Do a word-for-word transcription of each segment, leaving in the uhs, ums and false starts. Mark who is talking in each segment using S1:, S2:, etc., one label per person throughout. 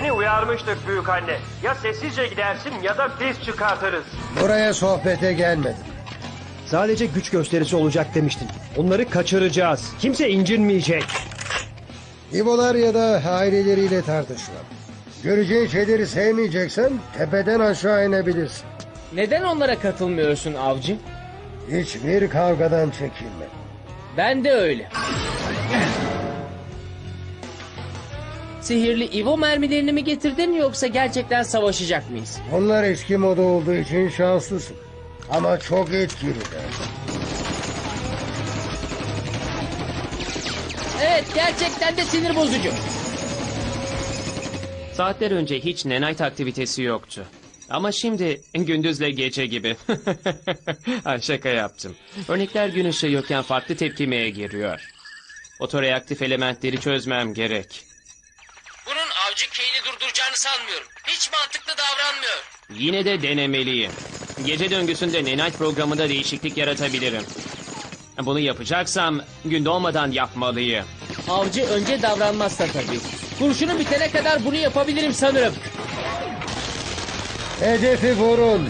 S1: Seni uyarmıştık büyük anne. Ya sessizce gidersin ya da biz çıkartırız.
S2: Buraya sohbete gelmedim.
S3: Sadece güç gösterisi olacak demiştin. Onları kaçıracağız. Kimse incinmeyecek.
S2: İbolar ya da aileleriyle tartışma. Göreceğin şeyleri sevmeyeceksen tepeden aşağı inebilirsin.
S4: Neden onlara katılmıyorsun avcı?
S2: Hiçbir kavgadan çekinme.
S4: Ben de öyle. Sihirli Ivo mermilerini mi getirdin yoksa gerçekten savaşacak mıyız?
S2: Onlar eski moda olduğu için şanslısın. Ama çok etkililer.
S4: Evet, gerçekten de sinir bozucu.
S5: Saatler önce hiç Nenite aktivitesi yoktu. Ama şimdi gündüzle gece gibi. Ha, şaka yaptım. Örnekler gün ışığı yokken farklı tepkimeye giriyor. Otoreaktif elementleri çözmem gerek.
S4: Bunun avcı Kane'i durduracağını sanmıyorum. Hiç mantıklı davranmıyor.
S5: Yine de denemeliyim. Gece döngüsünde Nenite programında değişiklik yaratabilirim. Bunu yapacaksam gün doğmadan yapmalıyım.
S4: Avcı önce davranmazsa tabii. Kurşunu bitene kadar bunu yapabilirim sanırım.
S2: Hedefi vurun.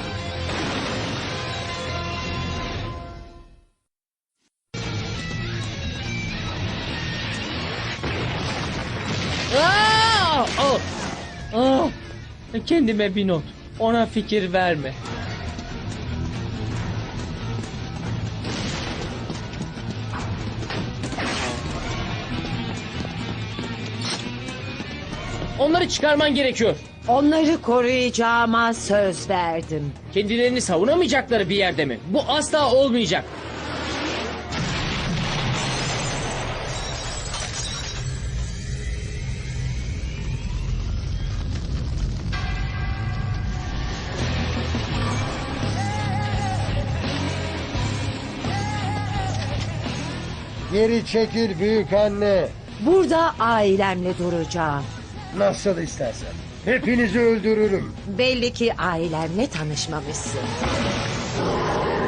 S4: Aa! Oh! Ah! Kendime bir not. Ona fikir verme. Onları çıkarman gerekiyor.
S6: Onları koruyacağıma söz verdim.
S4: Kendilerini savunamayacakları bir yerde mi? Bu asla olmayacak.
S2: Geri çekil büyük anne.
S6: Burada ailemle duracağım.
S2: Nasıl istersen. Hepinizi öldürürüm.
S6: Belli ki ailemle tanışmamışsın.